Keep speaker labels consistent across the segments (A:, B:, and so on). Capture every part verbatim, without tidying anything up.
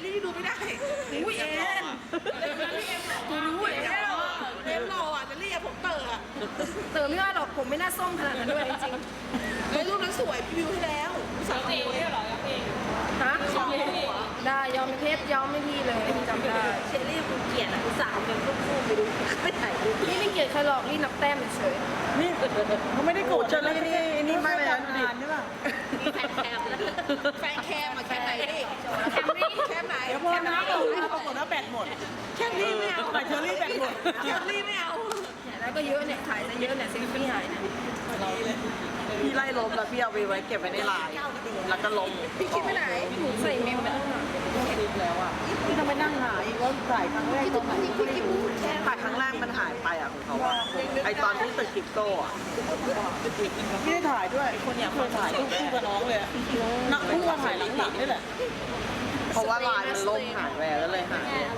A: รี่ดูไม่ได้อุ้ยเอ็นกูรู้แล้วเอ็มรออ่ะจะเรียกผมเต๋ออ่ะ
B: เต๋อไม่ว่าหรอกผมไม่น่าส้มขนาดนั้นด้วยจริง
A: เฮ้ยรูปนั้นสวยพี่วิวให้แล้วสาวเองเหรอเอง
B: ๆฮะได้ยอมเพชรยอมไม่พี่เลยจำได้
A: เชลลี่กูเกลียดอ่ะกูสาวเดินคู่ๆไปดูไม่ถ่ายรูป
B: นี่ไม่เกลียดใครหรอกนี่นับแต้มเฉย
C: นี่เขาไม่ได้โกรธเชอรี่นี่นี่ไม่เลยนะดิใช่ป่ะ
A: มีแฟนแคมแล้วแฟนแคมอ่ะแคมไหนดิแคมรี่แคมไหน
C: เดี๋ยวพอน้ำออกน้ำออกหมดแล้วแบตหมด
A: แคมรี่ไม่เอา
C: แต่เชอรี่แบตหมด
A: แคมรี่ไม่เอา
B: ๆเนี่ยแล้วก็เยอะเนี่ยถ่ายซะเยอะเนี่ยเซลฟี่หายเนี่ย
C: พี่ไล่ลบแล้วพี่เอาไปไว้เก็บไว้ในไลน์แล้วก็ลง
A: พี่คิดไปไหน
B: หนูใส่เมมไปตั้งนาน
C: คลิปแล้วอ่ะพี่ต้องไปนั่งหาอีกว่าถ่ายครั้งแรกตอนไหนก็ไม่รู้ถ่ายครั้งแรกมันหายไปอ่ะของเขาอ่ะไอตอนที่ตึกคริปโตอ่ะไม่ได้ถ่ายด้วยคนอยากมาถ่ายคู่กับน้องเลยนักคู่มาถ่ายหลังๆนี่แหละเพราะว่าไลน์มันล่มหายแววแล้วเลยหาย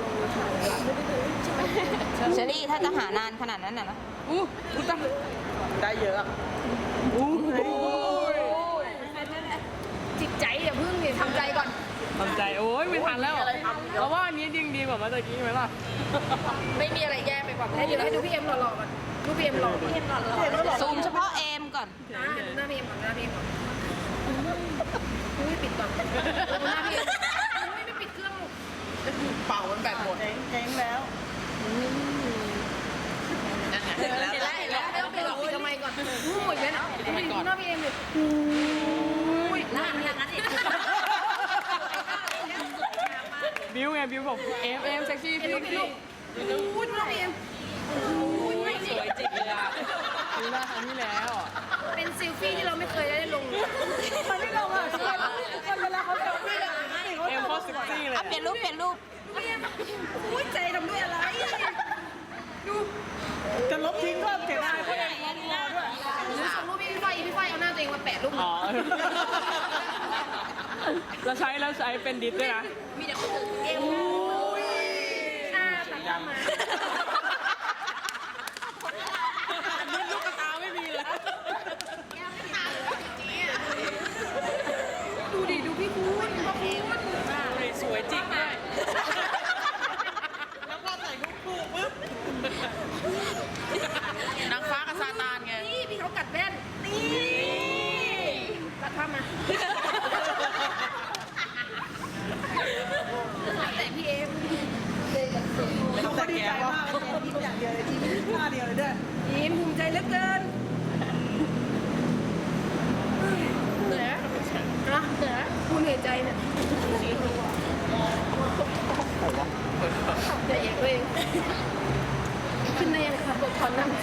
D: เชอรี่ถ้าจะหานานขนาดนั้นน่ะนะ
B: อู้กูตั้ง
C: ได้เยอะอู้ย
B: จิตใจอย่าพึ่งดิทำใจก่อน
E: ทำใจโอ้ยไม่ทันแล้วเพราะว่าอันนี้ยิ่งดีกว่าเมื่อกี้ไหมล่ะ
B: ไม่มีอะไรแย่ไปกว่าให้เดี๋ยวให้ดูพี่เอ็มหล่อๆก่อนดูพี่เอ็มหล่อพี่เอ็มหล่อๆ
D: ซูมเฉพาะเอมก่อน
B: นะดูหน้าพี่เอ็มก่อนหน้าพี่เอ็มก่อนอุ้ยปิดก่อนดูหน้าพี่เอ็มอุ้ยไม่ปิดเครื่องลูก
C: เป่ามันแบตหมดเจ๊งแล้ว
B: เห็นแล้วเห็นแล้วไม่ต้องไปหลอกปิดทำไมก่อนอู้ยงั้นดูหน้าพี่เอ็มเลยอุ้ยหน้าอย่างนั้นอีก
E: บิวไงบิวบอกเอฟเอ็มเซ็กซี่พี่
B: ลูก
E: พี่
B: ลูกอู้ยหน้าพี่เอ็มอุ้ยไม่สวยจริงเลยอะ
E: ดูหน้าครั้งที่แล้วอ่ะ
B: เป็นซิลฟี่ที่เราไม่เคยได้ลง
C: มันไม่ลงอ่ะคนเวลาเขาเซลฟี่เลย
E: เอ็มโคตรเซ็กซี่เลย
D: อ่ะเปลี่ยนรูปเปลี่ยนรูป
B: พี่เอ็มอุ้ยใจทำด้วยอะไรดู
C: จะลบทิ้งก็เสียดายเพราะยังงอด้วย
B: ดูส่งรูปพี่ไฟพี่ไฟเอาหน้าตัวเองมาแปะรูป
E: อ๋อแล้วใช้แล้วใช้เป็นดิสด้วยนะ
B: มีแต่คนเอ็มอ่าตัดเข้ามา
E: ลูกกระตาไม่มีเลย
B: ดูดิดูพี่คุณพ่อคุณ
E: สวยจริงด้วย
C: แล้วพอใส่คู่ปุ๊บ
E: นางฟ้ากับซาตานไง
B: นี่พี่เขากัดแว่นนี่ตัดเข้ามาแต่พี่เอ็ม
C: เขาก็ดีใจมากเลยยิ้มอย่างเดียวเลยยิ้มหน้าเดียวเลยด้วย
B: ยิ้มภูมิใจเหลือเกินเหนื่อยนะเหนื่อยกูเหนื่อยใจเนี่ยใจเองตัวเองขึ้นได้ยังคะบทคอนนั่ง